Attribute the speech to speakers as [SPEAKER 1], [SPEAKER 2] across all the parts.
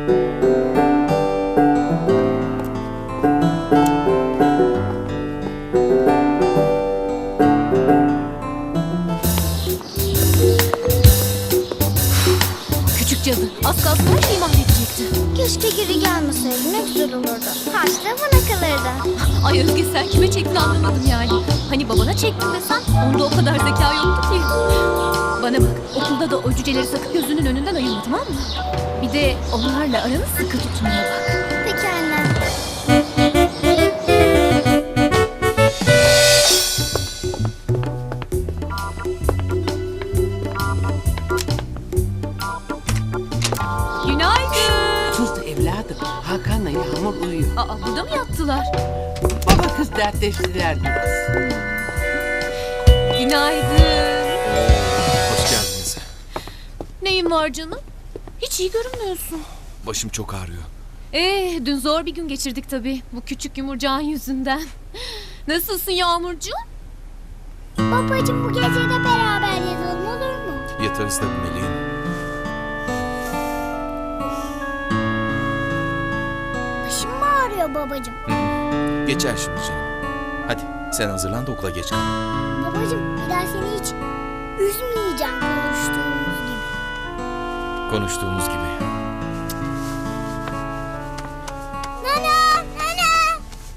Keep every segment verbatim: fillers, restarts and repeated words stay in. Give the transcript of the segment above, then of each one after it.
[SPEAKER 1] Küçük cadı. Az kalsın her şeyi mahvedecekti.
[SPEAKER 2] Keşke geri gelmeseydi, ne güzel olurdu. Harçta bana kalırdı.
[SPEAKER 1] Ay Özge, sen kime çektin anlamadım yani. Hani babana çektin desen onda o kadar zeka yoktu ki. Bana bak, okulda da o cüceleri sakın gözünün önünden ayırma, tamam mı? Bir de onlarla aranı sıkı tutmaya bak.
[SPEAKER 2] Peki anne.
[SPEAKER 1] Günaydın.
[SPEAKER 3] Sus evladım. Hakan'la Yağmur uyuyor.
[SPEAKER 1] Aa, burada mı yattılar?
[SPEAKER 3] Baba kız dertleştiler biraz.
[SPEAKER 1] Günaydın.
[SPEAKER 4] Hoş geldiniz.
[SPEAKER 1] Neyin var canım? Hiç iyi görünmüyorsun.
[SPEAKER 4] Başım çok ağrıyor.
[SPEAKER 1] Ee, dün zor bir gün geçirdik tabii. Bu küçük yumurcağın yüzünden. Nasılsın Yağmurcuğum?
[SPEAKER 2] Babacığım, bu gece de beraber yatalım, olur mu?
[SPEAKER 4] Yatarız tabii meleğim.
[SPEAKER 2] Başım mı ağrıyor babacığım?
[SPEAKER 4] Geçer şimdi canım. Hadi sen hazırlan da okula geç kal.
[SPEAKER 2] Babacığım, bir daha seni hiç üzmeyeceğim konuştuğumuz gibi.
[SPEAKER 4] Konuştuğumuz gibi.
[SPEAKER 2] Nana! Nana!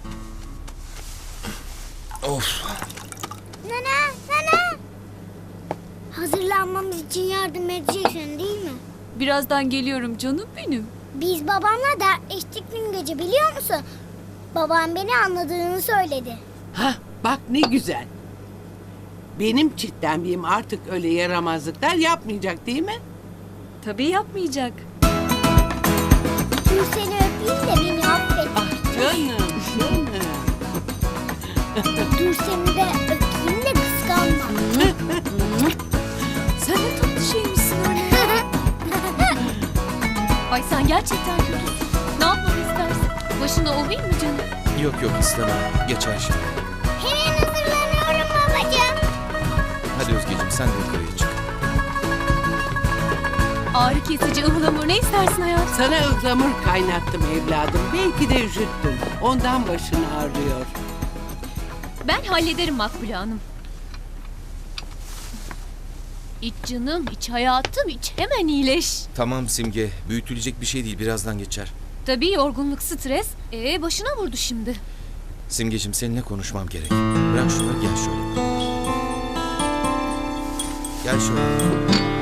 [SPEAKER 4] Of.
[SPEAKER 2] Nana! Nana! Hazırlanmamız için yardım edeceksin değil mi?
[SPEAKER 1] Birazdan geliyorum canım benim.
[SPEAKER 2] Biz babamla dertleştik dün gece, biliyor musun? Babam beni anladığını söyledi.
[SPEAKER 3] Hah bak ne güzel. Benim çitlenmeyim artık öyle yaramazlıklar yapmayacak değil mi?
[SPEAKER 1] Tabii yapmayacak.
[SPEAKER 2] Dur seni öpeyim de beni affet.
[SPEAKER 3] Ah canım canım.
[SPEAKER 2] Dur seni de öpeyim de kıskanma.
[SPEAKER 1] Sen ne tatlı şeymişsin öyle. Ay sen gerçekten kötüsün. Ne yapmamı istersin? Başına ovayım mı canım?
[SPEAKER 4] Yok yok istemem. Geçer şimdi.
[SPEAKER 2] Hemen hazırlanıyorum babacığım.
[SPEAKER 4] Hadi Özgeciğim sen de yukarıya çık.
[SPEAKER 1] Ağrı kesici, ıhlamur ne istersin hayatım?
[SPEAKER 3] Sana ıhlamur kaynattım evladım. Belki de üşüttüm. Ondan başın ağrıyor.
[SPEAKER 1] Ben hallederim Makbule Hanım. İç canım, iç hayatım, iç. Hemen iyileş.
[SPEAKER 4] Tamam Simge. Büyütülecek bir şey değil. Birazdan geçer.
[SPEAKER 1] Tabii yorgunluk, stres. Ee başına vurdu şimdi.
[SPEAKER 4] Simgeciğim seninle konuşmam gerek. Bırak şunu gel şöyle. Gel şöyle.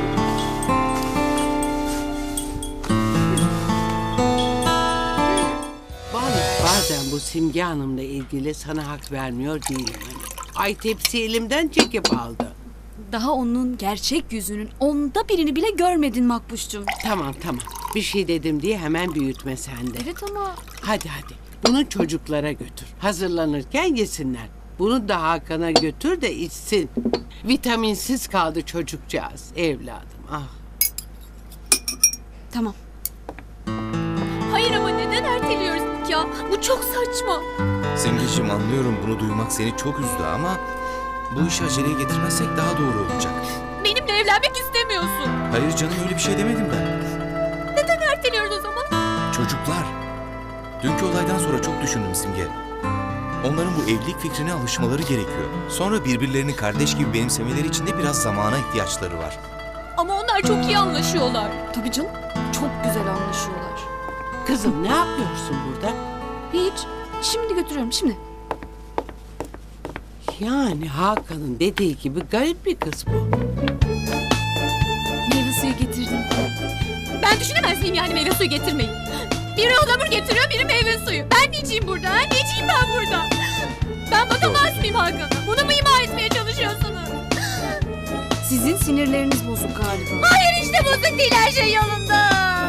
[SPEAKER 3] Vallahi bazen bu Simge Hanım'la ilgili sana hak vermiyor değilim. Ay tepsi elimden çekip aldı.
[SPEAKER 5] Daha onun gerçek yüzünün onda birini bile görmedin Makbuş'cum.
[SPEAKER 3] Tamam tamam. Bir şey dedim diye hemen büyütme sen de.
[SPEAKER 5] Evet ama
[SPEAKER 3] Hadi hadi. Bunu çocuklara götür. Hazırlanırken yesinler. Bunu da Hakan'a götür de içsin. Vitaminsiz kaldı çocukcağız. Evladım ah.
[SPEAKER 5] tamam.
[SPEAKER 1] Hayır ama neden erteliyoruz ya? Bu çok saçma.
[SPEAKER 4] Simgeciğim anlıyorum bunu duymak seni çok üzdü ama bu işi aceleye getirmezsek daha doğru olacak.
[SPEAKER 1] Benimle evlenmek istemiyorsun.
[SPEAKER 4] Hayır canım öyle bir şey demedim ben.
[SPEAKER 1] Neden erteliyoruz o zaman?
[SPEAKER 4] Çocuklar. Dünkü olaydan sonra çok düşündüm Simge. Onların bu evlilik fikrine alışmaları gerekiyor. Sonra birbirlerini kardeş gibi benimsemeleri için de biraz zamana ihtiyaçları var.
[SPEAKER 1] Ama onlar çok iyi anlaşıyorlar.
[SPEAKER 5] Tabii canım. Çok güzel anlaşıyorlar.
[SPEAKER 3] Kızım ne yapıyorsun burada?
[SPEAKER 5] Hiç. Şimdi götürüyorum şimdi.
[SPEAKER 3] Yani Hakan'ın dediği gibi garip bir kız bu.
[SPEAKER 5] Meyve suyu getirdim.
[SPEAKER 1] Ben düşünemez miyim yani meyve suyu getirmeyi? Biri ıhlamur getiriyor, biri meyve suyu. Ben neciyim burada? Ha? Neciyim ben burada? Ben bakamaz mıyım Hakan'a? Bunu mu ima etmeye çalışıyorsunuz?
[SPEAKER 5] Sizin sinirleriniz bozuk galiba.
[SPEAKER 1] Hayır işte bozuk değil, her şey yolunda.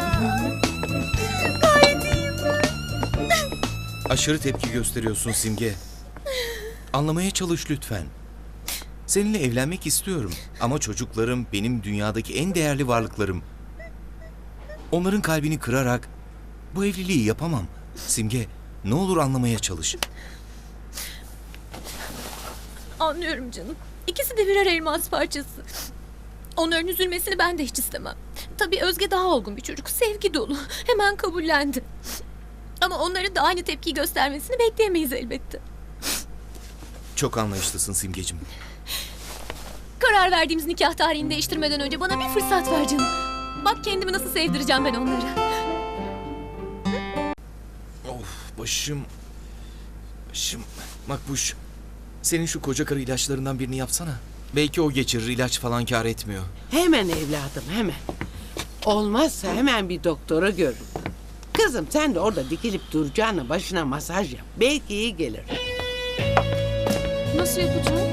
[SPEAKER 1] Gayet iyiyim.
[SPEAKER 4] Aşırı tepki gösteriyorsun Simge. Anlamaya çalış lütfen. Seninle evlenmek istiyorum ama çocuklarım benim dünyadaki en değerli varlıklarım. Onların kalbini kırarak bu evliliği yapamam. Simge, ne olur anlamaya çalış.
[SPEAKER 1] Anlıyorum canım. İkisi de birer elmas parçası. Onların üzülmesini ben de hiç istemem. Tabii Özge daha olgun bir çocuk. Sevgi dolu. Hemen kabullendi. Ama onların da aynı tepkiyi göstermesini bekleyemeyiz elbette.
[SPEAKER 4] Çok anlayışlısın Simgecim.
[SPEAKER 1] Karar verdiğimiz nikah tarihini değiştirmeden önce bana bir fırsat ver canım. Bak kendimi nasıl sevdireceğim ben onlara.
[SPEAKER 4] Of başım. Başım. Makbuş. Senin şu koca karı ilaçlarından birini yapsana. Belki o geçirir, ilaç falan kâr etmiyor.
[SPEAKER 3] Hemen evladım hemen. Olmazsa hemen bir doktora görün. Kızım sen de orada dikilip duracağına başına masaj yap. Belki iyi gelir.
[SPEAKER 1] Nasıl yapacağım?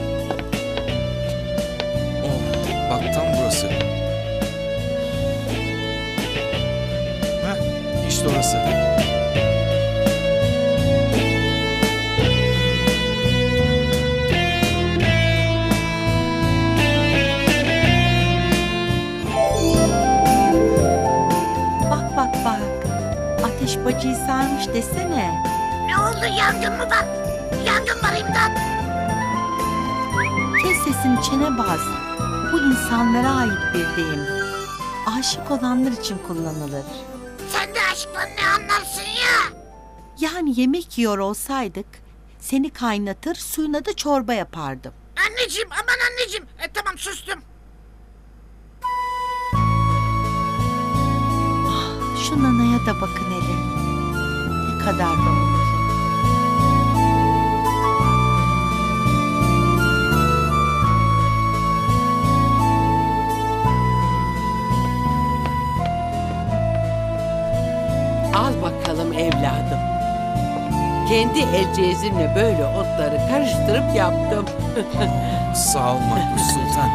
[SPEAKER 4] Oh, bak tam burası. Heh, işte orası.
[SPEAKER 6] Bak bak bak. Ateş bacıyı sarmış desene.
[SPEAKER 2] Ne oldu, yangın mı var? Yangın var, imdat.
[SPEAKER 6] Kes sesini çene bas. Bu insanlara ait bir deyim. Aşık olanlar için kullanılır.
[SPEAKER 2] Sen de aşktan ne anlarsın ya?
[SPEAKER 6] Yani yemek yiyor olsaydık seni kaynatır suyuna da çorba yapardım.
[SPEAKER 2] Anneciğim, aman anneciğim. E, tamam, sustum.
[SPEAKER 6] Şu nanaya da bakın hele. Ne kadar da mutlu.
[SPEAKER 3] Al bakalım evladım. Kendi el cezimle böyle otları karıştırıp yaptım.
[SPEAKER 4] Sağ ol Makbuş Sultan.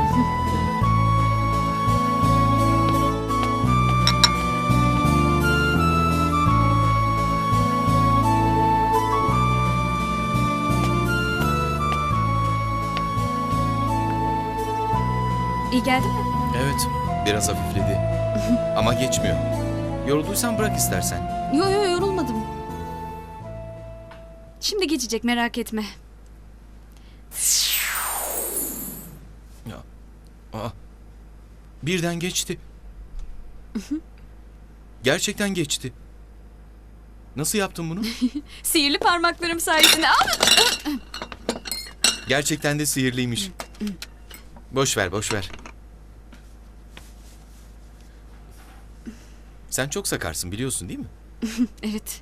[SPEAKER 5] İyi geldi mi?
[SPEAKER 4] Evet, biraz hafifledi. Ama geçmiyor. Yorulduysan bırak istersen.
[SPEAKER 5] Yo yo yorulmadım. Şimdi geçecek, merak etme.
[SPEAKER 4] Ya. Aa. Birden geçti. Gerçekten geçti. Nasıl yaptın bunu?
[SPEAKER 5] Sihirli parmaklarım sayesinde. Aa!
[SPEAKER 4] Gerçekten de sihirliymiş. Boş ver, boş ver. Sen çok sakarsın biliyorsun değil mi?
[SPEAKER 5] Evet.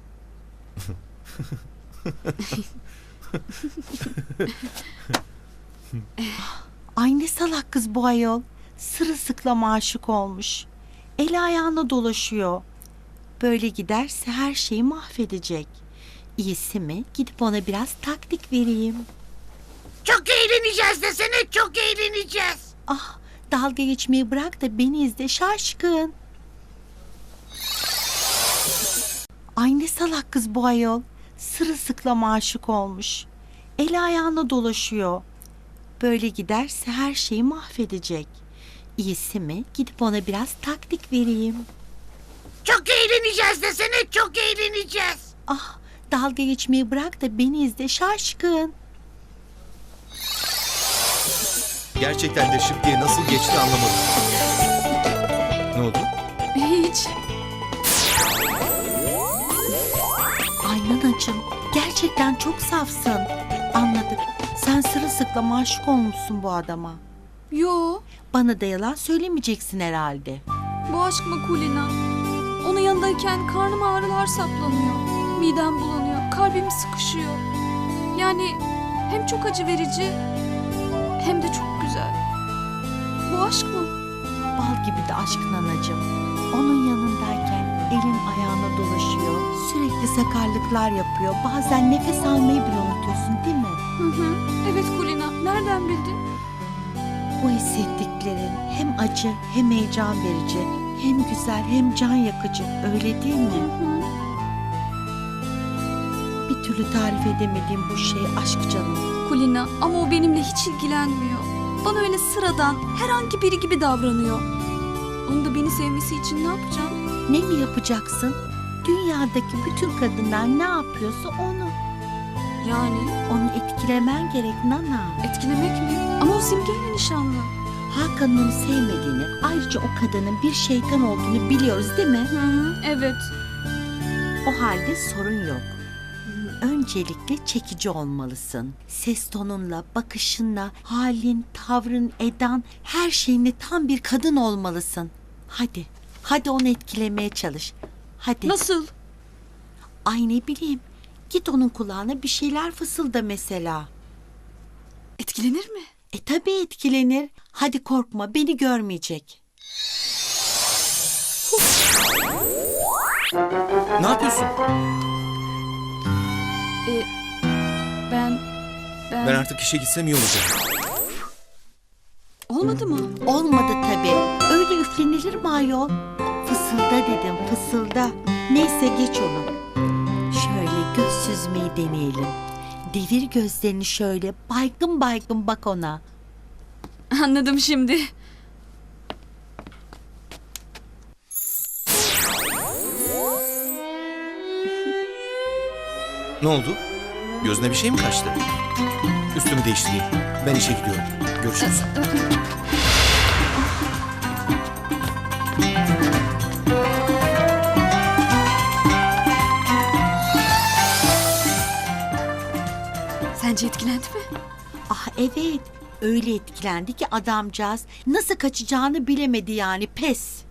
[SPEAKER 6] Ay ne salak kız bu ayol. Sırılsıklam aşık olmuş. Eli ayağına dolaşıyor. Böyle giderse her şeyi mahvedecek. İyisi mi gidip ona biraz taktik vereyim.
[SPEAKER 2] Çok eğleneceğiz desene, çok eğleneceğiz.
[SPEAKER 6] Ah, dalga geçmeyi bırak da beni izle şaşkın. Ay ne salak kız bu ayol. Sırılsıklam aşık olmuş. Eli ayağına dolaşıyor. Böyle giderse her şeyi mahvedecek. İyisi mi gidip ona biraz taktik vereyim.
[SPEAKER 2] Çok eğleneceğiz desene, çok eğleneceğiz.
[SPEAKER 6] Ah, dalga geçmeyi bırak da beni izle şaşkın.
[SPEAKER 4] Gerçekten de şıp diye nasıl geçti anlamadım. Ne oldu?
[SPEAKER 5] Hiç.
[SPEAKER 6] Ay nanacığım, gerçekten çok safsın. Anladık. Sen sırılsıklam aşık olmuşsun bu adama.
[SPEAKER 5] Yo.
[SPEAKER 6] Bana da yalan söylemeyeceksin herhalde.
[SPEAKER 5] Bu aşk mı Kulina? Onun yanındayken karnıma ağrılar saplanıyor. Midem bulanıyor. Kalbim sıkışıyor. Yani hem çok acı verici hem de çok güzel. Bu aşk mı?
[SPEAKER 6] Bal gibi de aşk nanacığım. Onun yanındayken elin ayağına dolaşıyor. Sürekli sakarlıklar yapıyor. Bazen nefes almayı bile unutuyorsun değil mi?
[SPEAKER 5] Hı hı. Evet Kulina. Nereden bildin?
[SPEAKER 6] Bu hissettiklerin hem acı hem heyecan verici, hem güzel hem can yakıcı, öyle değil mi?
[SPEAKER 5] Hı hı.
[SPEAKER 6] Bir türlü tarif edemediğim bu şey aşk canım.
[SPEAKER 5] Kulina ama o benimle hiç ilgilenmiyor. Bana öyle sıradan herhangi biri gibi davranıyor. Onun da beni sevmesi için ne yapacağım?
[SPEAKER 6] Ne mi yapacaksın? Dünyadaki bütün kadınlar ne yapıyorsa onu.
[SPEAKER 5] Yani
[SPEAKER 6] Onu etkilemen gerek Nana.
[SPEAKER 5] etkilemek mi? Ama o Simge'yle nişanlı.
[SPEAKER 6] Hakan'ın onu sevmediğini, ayrıca o kadının bir şeytan olduğunu biliyoruz değil mi?
[SPEAKER 5] Hı hı, evet.
[SPEAKER 6] O halde sorun yok. Öncelikle çekici olmalısın. Ses tonunla, bakışınla, halin, tavrın, edan, her şeyinle tam bir kadın olmalısın. Hadi, hadi onu etkilemeye çalış. Hadi.
[SPEAKER 5] Nasıl?
[SPEAKER 6] Ay ne bileyim. Git onun kulağına bir şeyler fısılda mesela.
[SPEAKER 5] Etkilenir mi?
[SPEAKER 6] E tabii etkilenir. Hadi korkma, beni görmeyecek.
[SPEAKER 4] Ne yapıyorsun?
[SPEAKER 5] Ee, ben... Ben...
[SPEAKER 4] Ben artık işe gitsem iyi olacak.
[SPEAKER 5] Olmadı mı?
[SPEAKER 6] Olmadı tabii. Öyle üflenilir mi ayol? Fısılda dedim, fısılda. Neyse geç onu. Şöyle göz süzmeyi deneyelim. Devir gözlerini şöyle, baygın baygın bak ona.
[SPEAKER 5] Anladım şimdi.
[SPEAKER 4] Ne oldu? Gözüne bir şey mi kaçtı? Üstümü değiştireyim. Ben işe gidiyorum. Görüşürüz.
[SPEAKER 5] Sence etkilendi mi?
[SPEAKER 6] Ah evet, öyle etkilendi ki adamcağız nasıl kaçacağını bilemedi yani, pes.